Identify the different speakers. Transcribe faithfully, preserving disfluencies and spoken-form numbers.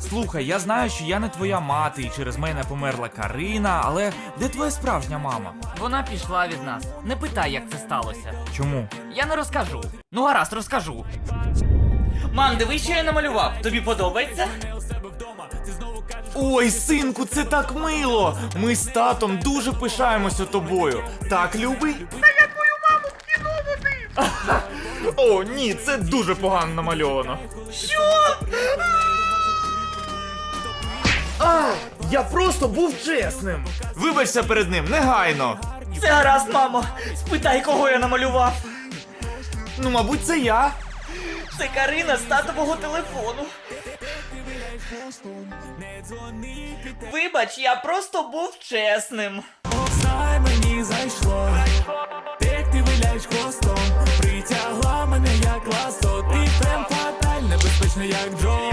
Speaker 1: Слухай, я знаю, що я не твоя мати і через мене померла Карина, але де твоя справжня мама?
Speaker 2: Вона пішла від нас. Не питай, як це сталося.
Speaker 1: Чому?
Speaker 2: Я не розкажу. Ну гаразд, розкажу. Мам, дивись, що я намалював. Тобі подобається?
Speaker 1: Ой, синку, це так мило! Ми з татом дуже пишаємося тобою. Так, любий? Та я твою маму в кіно водив! О, ні, це дуже погано намальовано.
Speaker 2: Що?
Speaker 1: А, я просто був чесним. Вибачся перед ним, негайно.
Speaker 2: Це гаразд, мамо. Спитай, кого я намалював.
Speaker 1: Ну, мабуть, це я.
Speaker 2: Це Карина з татового телефону. Вибач, я просто був чесним.
Speaker 3: Знай, мені зайшло, як ти виляєш хвостом, притягла мене як ласо, ти прям фаталь, небезпечно як Джо.